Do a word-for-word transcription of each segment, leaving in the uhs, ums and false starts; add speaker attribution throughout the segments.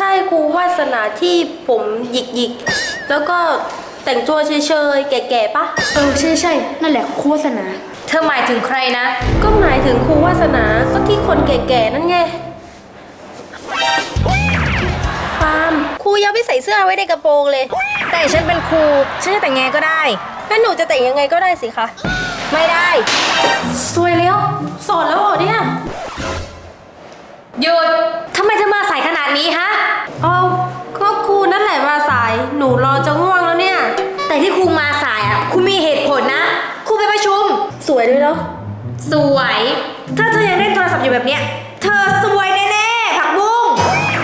Speaker 1: ช่ครูวาสนาที่ผมหยิกหยิกแล้วก็แต่งตัวเฉยๆแก่ๆปะ
Speaker 2: เออใช่ใช่นั่นแหละครูวาสนา
Speaker 3: เธอหมายถึงใครนะ
Speaker 1: ก็หมายถึงครูวาสนาก็ที่คนแก่ๆนั่นไงฟาร์มครูยังไม่ใส่เสื้อไว้ในกระโปรงเลย
Speaker 3: แต่ฉันเป็นครูฉันจะแต่งไงก็ได้
Speaker 1: งั้นหนูจะแต่งยังไงก็ได้สิคะ
Speaker 3: ไม่ได้
Speaker 1: สวยแล้วสอนแล้วเหรอเนี่ย
Speaker 3: หยุดทำไมเธอมาสายขนาดนี้ฮะ
Speaker 1: เอาก็ครูนั่นแหละมาสายหนูรอจะง่วงแล้วเนี่ย
Speaker 3: แต่ที่ครูมาสายอ่ะครูมีเหตุผลนะครูไปประชุม
Speaker 1: สวยด้วยเนาะ
Speaker 3: สวยถ้าเธอยังเล่นโทรศัพท์อยู่แบบเนี้ยเธอสวยแน่ๆผักบุ้ง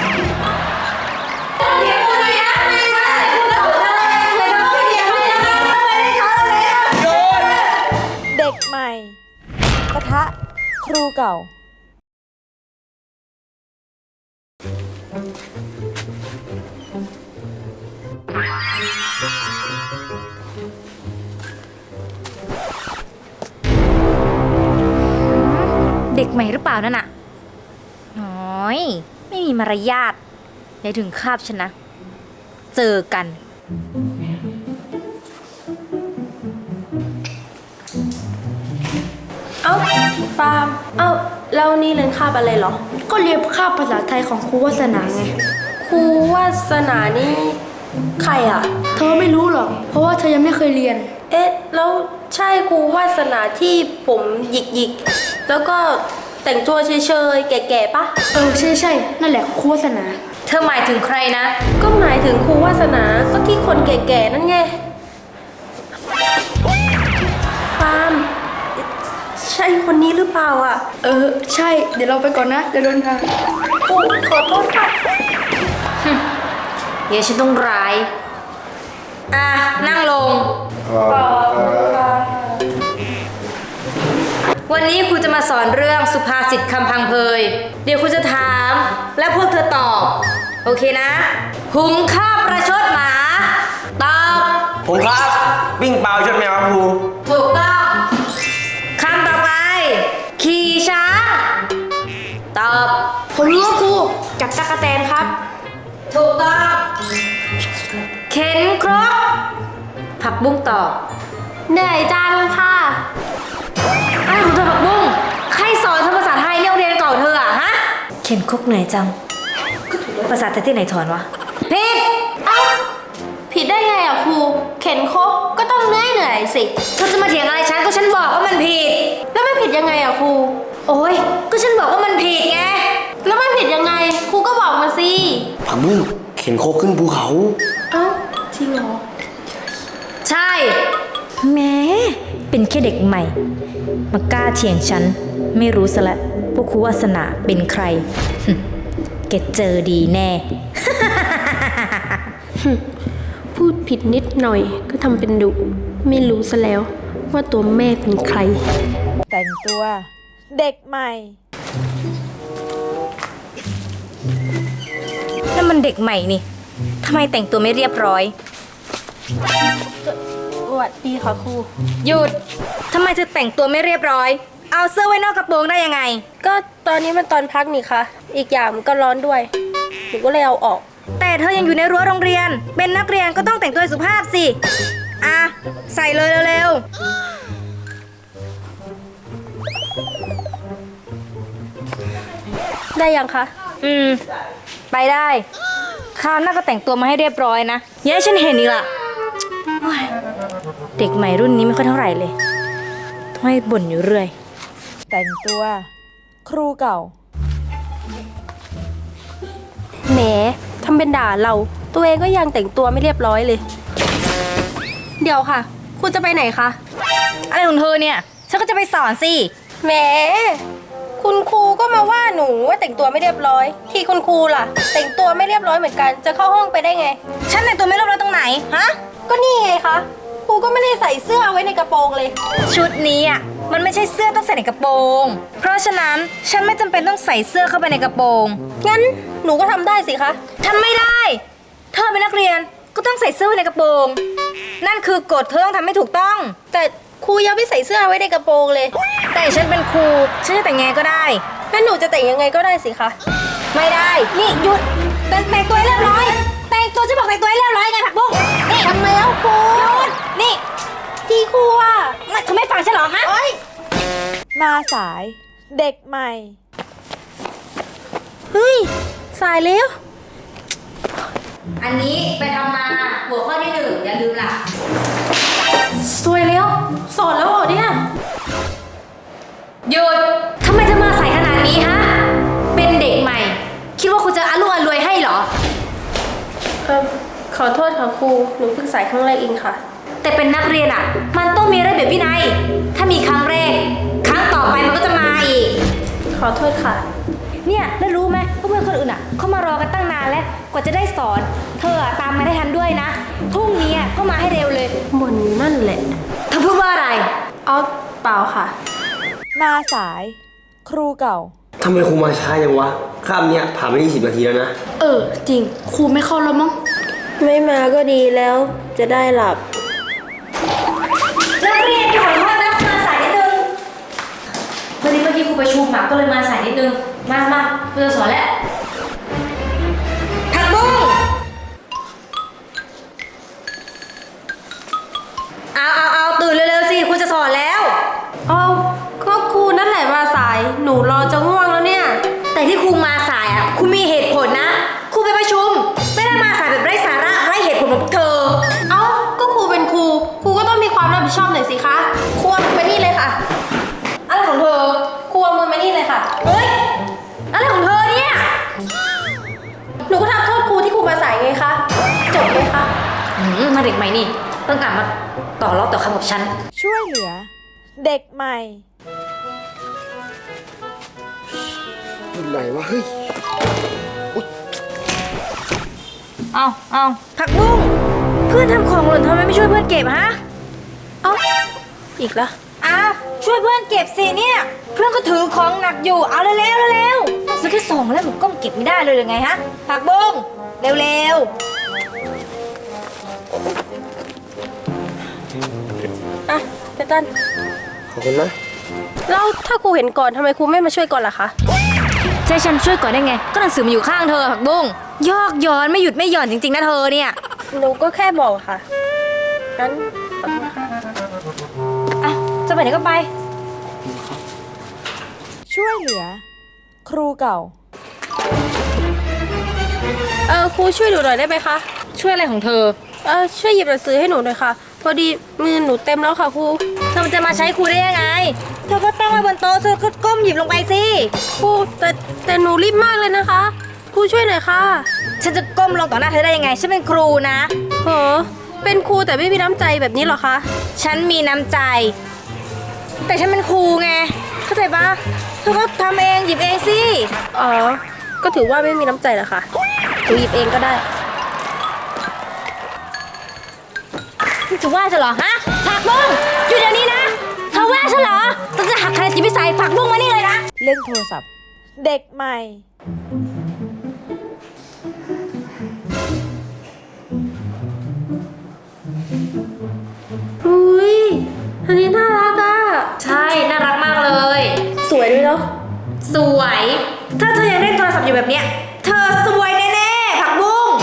Speaker 4: เด็กใหม่ปะทะครูเก่า
Speaker 3: เด็กใหม่หรือเปล่านั่นน่ะน้อยไม่มีมารยาทอย่าถึงคาบฉันนะเจอกัน
Speaker 1: เอ้าฟาร์มเอ้าแล้วนี่เรียนคาบอะไรเหรอ
Speaker 2: ก็เรียนคาบภาษาไทยของครูวาสนาไง
Speaker 1: ครูวาสนานี่ใครอ่ะ
Speaker 2: เธอไม่รู้หรอกเพราะว่าเธอยังไม่เคยเรียน
Speaker 1: เอ๊ะแล้วใช่ครูวาสนาที่ผมหยิกหยิกแล้วก็แต่งตัวเฉยๆแก่ๆปะ
Speaker 2: เออใช่ใช่นั่นแหละครูวาสนา
Speaker 3: เธอหมายถึงใครนะ
Speaker 1: ก็หมายถึงครูวาสนาก็ที่คนแก่ๆนั่นไงฟาร์มใช่คนนี้หรือเปล่าอ่ะ
Speaker 2: เออใช่เดี๋ยวเราไปก่อนนะเดี๋ยวโดนทาง
Speaker 1: โอ้ขอโทษค่ะ
Speaker 3: เดี๋ยวฉันต้องร้ายอ่ะนั่งลงวันนี้ครูจะมาสอนเรื่องสุภาษิตคำพังเพยเดี๋ยวครูจะถามและพวกเธอตอบโอเคนะหุงข้าวประชดหมาตอบ
Speaker 5: ผมครับวิ่งเปล่าชดแมวครับครู
Speaker 3: ถูกต้องคำต่อไปขี่ช้างตอบ
Speaker 2: ผมรู้ว่าครูจับตะกะแตนครับ
Speaker 3: ถูกต้องเข็นครกผักบุ้งตอบ
Speaker 1: เหนื่อยจังค่ะ
Speaker 3: อะไรของเธอผักบุ้งใครสอนเธอภาษาไทยเนี่ยเรียนเก่าเธออะฮะเข็นครกเหนื่อยจังภาษาไทยที่ไหนถอนวะผิด
Speaker 1: เอ้าผิดได้ไงอ่ะครูเข็นครกก็ต้องเหนื่อยเหนื่อยสิ
Speaker 3: เธอจะมาเถียงอะไรฉันก็ฉันบอกว่ามันผิด
Speaker 1: แล้วมันผิดยังไงอ่ะครู
Speaker 3: โอ้ยก็ฉันบอกว่ามันผิดไง
Speaker 1: แล้วมันผิดยังไงครูก็บอกมาสิ
Speaker 5: ผักบุ้งเข็นโคกขึ้นภูเขา
Speaker 1: เอ้าจริงเหรอ
Speaker 3: ใช่แม้เป็นแค่เด็กใหม่มากล้าเถียงฉันไม่รู้ซะละพวกครูวาสนาเป็นใครแกเจอดีแน่
Speaker 1: พูดผิดนิดหน่อยก็ทำเป็นดุไม่รู้ซะแล้วว่าตัวแม่เป็นใคร
Speaker 4: แต่งตัวเด็กใหม่
Speaker 3: นั่นมันเด็กใหม่นี่ทำไมแต่งตัวไม่เรียบร้อย
Speaker 1: สวัสดีค่ะครู
Speaker 3: หยุดทำไมเธอแต่งตัวไม่เรียบร้อยเอาเสื้อไว้นอกกระโปรงได้ยังไง
Speaker 1: ก็ตอนนี้มันตอนพักนี่ค่ะอีกอย่างมันก็ร้อนด้วยหนูก็เลยเอาออก
Speaker 3: แต่เธอยังอยู่ในรั้วโรงเรียนเป็นนักเรียนก็ต้องแต่งตัวสุภาพสิอ่ะใส่เลยเร็ว
Speaker 1: ๆได้ยังคะ
Speaker 3: อืมไปได้คราวหน้าก็แต่งตัวมาให้เรียบร้อยนะอย่าให้ฉันเห็นอีกล่ะเด็กใหม่รุ่นนี้ไม่ค่อยเท่าไหร่เลยต้องให้บ่นอยู่เรื่อย
Speaker 4: แต่งตัวครูเก่า
Speaker 1: แหมทำเป็นด่าเราตัวเองก็ยังแต่งตัวไม่เรียบร้อยเลยเดี๋ยวค่ะคุณจะไปไหนคะ
Speaker 3: อะไรของเธอเนี่ยฉันก็จะไปสอนสิ
Speaker 1: แหมคุณครูก็มาว่าหนูว่าแต่งตัวไม่เรียบร้อยที่คุณครูล่ะแต่งตัวไม่เรียบร้อยเหมือนกันจะเข้าห้องไปได้ไง
Speaker 3: ฉันแต่งตัวไม่เรียบร้อยตรงไหนฮะ
Speaker 1: ก็นี่ไงคะครูก็ไม่ได้ใส่เสื้อไว้ในกระโปรงเลย
Speaker 3: ชุดนี้อ่ะมันไม่ใช่เสื้อต้องใส่ในกระโปรงเพราะฉะนั้นฉันไม่จำเป็นต้องใส่เสื้อเข้าไปในกระโปรง
Speaker 1: งั้นหนูก็ทำได้สิคะ
Speaker 3: ทำไม่ได้เธอเป็นนักเรียนก็ต้องใส่เสื้อไว้ในกระโปรงนั่นคือกฎเธอต้องทำให้ถูกต้อง
Speaker 1: แต่ครูยังไม่ใส่เสื้อไว้ในกระโปรงเลย
Speaker 3: แต่ฉันเป็นครูฉันจะแต่งไงก็ได้
Speaker 1: งั้นหนูจะแต่งยังไงก็ได้สิคะ
Speaker 3: ไม่ได้นี่หยุดแต่งตัว
Speaker 1: ครูหยุดนี่ทีครูอ่ะ
Speaker 3: เธอไม่ฟังฉันเหรอฮะ
Speaker 1: เอ้ย
Speaker 4: มาสาย เด็กใหม่
Speaker 1: เฮ้ยสายแล้ว
Speaker 3: อันนี้ไปทำมาหัวข้อที่หนึ่งอย่าลืมล่ะ
Speaker 1: สวยแล้วสอนแล้วเหรอเนี่ย
Speaker 3: หยุดทำไมจะมาใส่ขนาดนี้ฮะ เป็นเด็กใหม่ คิดว่าคุณจะอารุ่งอรวยให้เหรอ
Speaker 1: เออขอโทษค่ะครู หนูเพิ่งสายครั้งแรกเองค่ะ
Speaker 3: แต่เป็นนักเรียนอ่ะ มันต้องมีระเบียบวินัย ถ้ามีครั้งแรก ครั้งต่อไปมันก็จะมาอีก
Speaker 1: ขอโทษค่ะ
Speaker 3: เนี่ยแล้วรู้ไหมว่าเพื่อนคนอื่นอ่ะเขามารอกันตั้งนานแล้ว กว่าจะได้สอน เธออะตามมาได้ทันด้วยนะ พรุ่งนี้อะก็มาให้เร็วเลย
Speaker 1: บ่นอยู่นั่นแหละ
Speaker 3: เธอพูดว่าอะไร
Speaker 1: เอาเปล่าค่ะ
Speaker 4: มาสาย ครูเก่า
Speaker 5: ทำไมครูมาช้าอย่างวะคาบเนี้ยผ่านไปยี่สิบนาทีแล้วนะ
Speaker 2: เออ จริง ครูไม่เข้าแล้วมั้ง
Speaker 1: ไม่มาก็ดีแล้วจะได้หลับ
Speaker 3: นักเรียนขอโทษนะมาสายนิดนึงพอดีเมื่อกี้ครูประชุมมาก็เลยมาสายนิดนึง มามาครูจะสอนแล้วผักบุ้งเอาเอาเอาตื่นเร็วๆสิครูจะสอนแล้ว
Speaker 1: เอาก็ครูนั่นแหละมาสาย หนูรอจะง่วงแล้วเนี่ย
Speaker 3: แต่ที่ครูมาสายอ่ะครูมีเหตุผลนะครูไปประชุม ไม่ได้มาสายแบบไร้สาระไร้เหตุผลของพวกเธอ
Speaker 1: เอ้า ก็ครูเป็นครู ครูก็ต้องมีความรับผิดชอบหน่อยสิคะ ครูเอามือมานี่เลยค่ะ
Speaker 3: อะไรของเธอ
Speaker 1: ครูเอามือมานี่เลยค่ะ
Speaker 3: เฮ้ยอะไรของเธอเนี่ย
Speaker 1: หนูก็ทำโทษครูที่ครูมาสายไงคะ จบเลยค่ะ
Speaker 3: อืมมาเด็กใหม่นี่ต้องกลับมาต่อรอบต่อคำกับฉัน
Speaker 4: ช่วยเหลือ เด็กใหม่
Speaker 5: อยู่ไหนวะ เฮ้ย
Speaker 3: เอาเอาผักบุ้งเพื่อนทำของหล่นทำไมไม่ช่วยเพื่อนเก็บฮะ
Speaker 1: เอ้า อีกแล้ว
Speaker 3: อ้าวช่วยเพื่อนเก็บสิเนี่ย เพื่อนก็ถือของหนักอยู่ เอาเร็วเร็วเร็วๆซื้อแค่สองแล้วหนูก็เก็บไม่ได้เลยหรือไงฮะผักบุ้งเร็วเร็ว
Speaker 1: อ่ะเจตัน
Speaker 5: ขอบคุณนะ
Speaker 1: แล้วถ้าครูเห็นก่อนทำไมครูไม่มาช่วยก่อนล่ะคะ
Speaker 3: ใช่ฉันช่วยก่อนได้ไง ก็หนังสือมันอยู่ข้างเธอผักบุ้งยอกย้อนไม่หยุดไม่หย่อนจริงๆนะเธอเนี่ย
Speaker 1: หนูก็แค่บอกค่ะ งั้นขอโทษค่ะ
Speaker 3: อ่ะจะไปไหนก็ไป
Speaker 4: ช่วยเหลือ ครูเก่า
Speaker 1: เออครูช่วยหนูหน่อยได้ไหมคะ
Speaker 3: ช่วยอะไรของเธอ
Speaker 1: เออช่วยหยิบหนังสือให้หนูหน่อยค่ะ พอดีมือหนูเต็มแล้วค่ะครู
Speaker 3: เธอจะมาใช้ครูได้ยังไง เธอก็ตั้งไว้บนโต๊ะเธอก็ก้มหยิบลงไปสิ
Speaker 1: ครูแต่แต่หนูรีบมากเลยนะคะ ครูช่วยหน่อยค่ะ
Speaker 3: ฉันจะก้มลงต่อหน้าเธอได้ยังไง ฉันเป็นครูนะ
Speaker 1: โหเป็นครูแต่ไม่มีน้ำใจแบบนี้เหรอคะ
Speaker 3: ฉันมีน้ำใจ แต่ฉันเป็นครูไง เข้าใจปะเธอก็ทำเองหยิบเองสิ
Speaker 1: อ๋อ ก็ถือว่าไม่มีน้ำใจเหรอคะหนูหยิบเองก็ได้
Speaker 3: จะว่าฉันเหรอฮะผักบุ้งอยู่เดี๋ยวนี้นะ เธอว่าฉันเหรอเธอจะหักคะแนนจิตวิสัยผักบุ้งมานี่เลยนะ
Speaker 4: เล่นโทรศัพท์ เด็กใหม่
Speaker 1: อุ้ยอันนี้น่ารักอะ
Speaker 3: ใช่ น่ารักมากเลย
Speaker 1: สวยด้วยเนาะ
Speaker 3: สวย ถ้าเธอยังเล่นโทรศัพท์อยู่แบบเนี้ย เธอสวยแน่ๆ ผักบุ้ง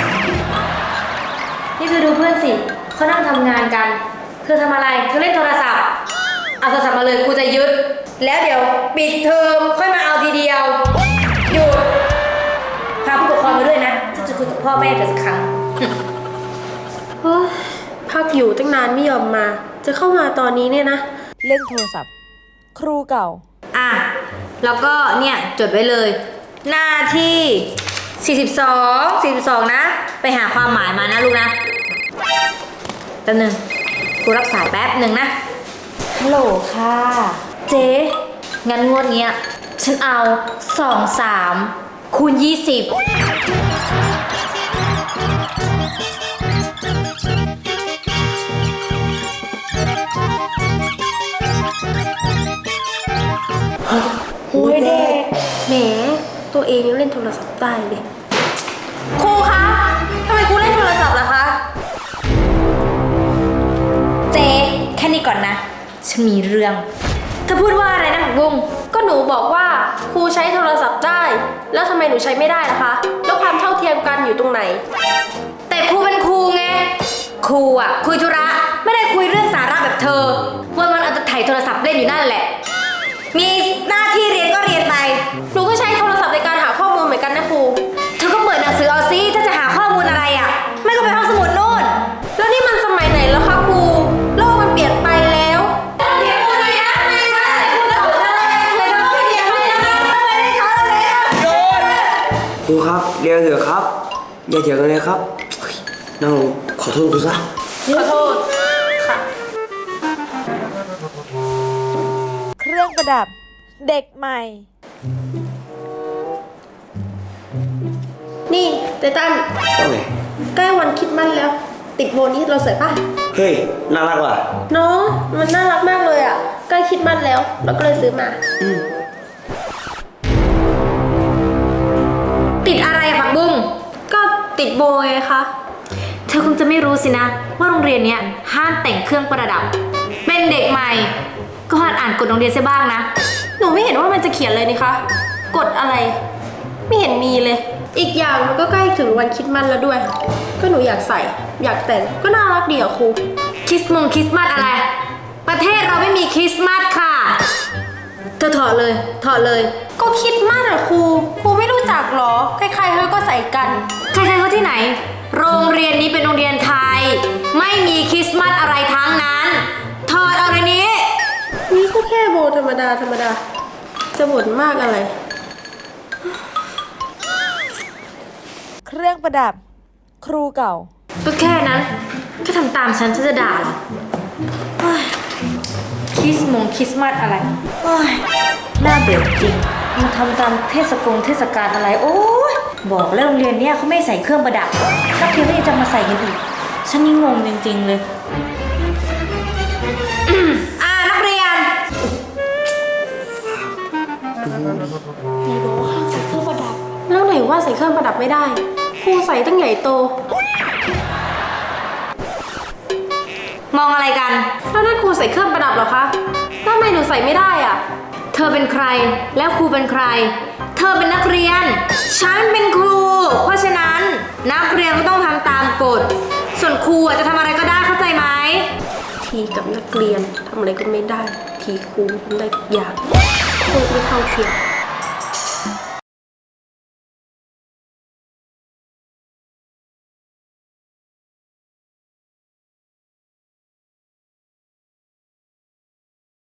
Speaker 3: นี่เธอดูเพื่อนสิ เขานั่งทำงานกัน เธอทำอะไร เธอเล่นโทรศัพท์ เอาโทรศัพท์มาเลยครูจะยึด แล้วเดี๋ยวปิดเทอมค่อยมาเอาทีเดียว หยุด พาผู้ปกครองมาด้วยนะฉันจะคุยกับพ่อแม่เธอสักครั้ง
Speaker 1: โอ้ยพักอยู่ตั้งนานไม่ยอมมา จะเข้ามาตอนนี้เนี่ยนะ
Speaker 4: เล่นโทรศัพท์ ครูเก่า
Speaker 3: อ่ะ แล้วก็เนี่ยจดไว้เลย หน้าที่สี่สิบสอง สี่สิบสองนะ ไปหาความหมายมานะลูกนะแป๊บนึงกูรับสายแป๊บหนึ่งนะ ฮัลโหลค่ะ เจ๊งั้นงวดเนี้ย ฉันเอาสองสามคูณยี่สิบ
Speaker 1: โอ้ยเด็กแหมตัวเองยังเล่นโทรศัพท์ได้เลยครูคะทำไมครูเล่นโทรศัพท์ล่ะคะ
Speaker 3: เจ๊แค่นี้ก่อนนะ ฉันมีเรื่องเธอพูดว่าอะไรนะผักบุ้ง
Speaker 1: ก็หนูบอกว่าครูใช้โทรศัพท์ได้ แล้วทำไมหนูใช้ไม่ได้ล่ะคะ แล้วความเท่าเทียมกันอยู่ตรงไหน
Speaker 3: แต่ครูเป็นครูไงครูอ่ะคุยธุระไม่ได้คุยเรื่องสาระแบบเธอวันวันๆเอาแต่ถ่ายโทรศัพท์เล่นอยู่นั่นแหละ มีหน้าที่เรียนก็เรียนไป
Speaker 1: หนูก็ใช้โทรศัพท์ในการหาข้อมูลเหมือนกันนะครู
Speaker 3: เธอก็เปิดหนังสือเอาซิถ้าจะหาข้อมูลอะไรอ่ะ ไม่ก็ไปห้องสมุดนู่น
Speaker 1: แล้วนี่มันสมัยไหนแล้วคะครู โลกมันเปลี่ยนไปแล้ว
Speaker 5: ครูครับเรียนเถอะครับ อย่าเถียงกันเลยครับเฮ้ยนั่งลงขอโทษครูซะ
Speaker 1: ขอโทษ ค่ะ
Speaker 4: เครื่องประดับ เด็กใหม่
Speaker 1: นี่เตตัน
Speaker 5: ว่าไง
Speaker 1: ใกล้วันคริดมันแล้ว ติดโบนี้เราสวยปะ
Speaker 5: เฮ้ยน่ารักว่ะ
Speaker 1: เนาะมันน่ารักมากเลยอ่ะ ใกล้คริดมันแล้ว เราก็เลยซื้อมา
Speaker 3: ติดอะไรอะผักบุ้ง
Speaker 1: ก็ติดโบไงคะ
Speaker 3: เธอคงจะไม่รู้สินะ ว่าโรงเรียนเนี้ยห้ามแต่งเครื่องประดับ เป็นเด็กใหม่ ก็หัดอ่านกฎโรงเรียนเสียบ้างนะ
Speaker 1: หนูไม่เห็นว่ามันจะเขียนเลยนี่คะ กดอะไร ไม่เห็นมีเลย อีกอย่างมันก็ใกล้ถึงวันคริดมันแล้วด้วย ก็หนูอยากใส่ อยากแต่ง ก็น่ารักดีอ่ะครู
Speaker 3: คริสต์มงคริสต์มาสอะไร ประเทศเราไม่มีคริสต์มาสค่ะ เธอถอดเลย ถอดเลย
Speaker 1: ก็คริดมันอ่ะครู ครูไม่รู้จักหรอ ใครๆเขาก็ใส่กัน
Speaker 3: ใครๆเขาที่ไหน โรงเรียนนี้เป็นโรงเรียนไทย ไม่มีคริสต์มาสอะไรทั้งนั้น ถอดเอาในนี้
Speaker 1: นี่ก็แค่โบธรรมดาธรรมดา จะบ่นมากอะไร
Speaker 4: เครื่องประดับ ครูเก่า
Speaker 3: ก็แค่นั้นแค่ทำตามฉันฉันจะด่าเหรอเฮ้ยคริสต์มงคริสต์มาสอะไรเฮ้ยน่าเบื่อจริงมาทำตามเทศกงเทศกาลอะไร โอ้ยบอกแล้วโรงเรียนเนี้ยเขาไม่ใส่เครื่องประดับนักเรียนก็ยังจะมาใส่กันอีกฉันนี่งงจริงๆเลยอืมอ่านักเรียน
Speaker 1: แล้วไหนว่าใส่เครื่องประดับไม่ได้ ครูใส่ตั้งใหญ่โต
Speaker 3: มองอะไรกัน
Speaker 1: แล้วนั่นครูใส่เครื่องประดับเหรอคะแล้วทำไมหนูใส่ไม่ได้อ่ะ
Speaker 3: เธอเป็นใครแล้วครูเป็นใคร เธอเป็นนักเรียน ฉันเป็นครู เพราะฉะนั้นนักเรียนก็ต้องทำตามกฎ ส่วนครูอ่ะจะทำอะไรก็ได้เข้าใจไหม
Speaker 1: ทีกับนักเรียนทำอะไรก็ไม่ได้ ทีครูทำได้ทุกอย่างโคตรไม่เท่าเทียม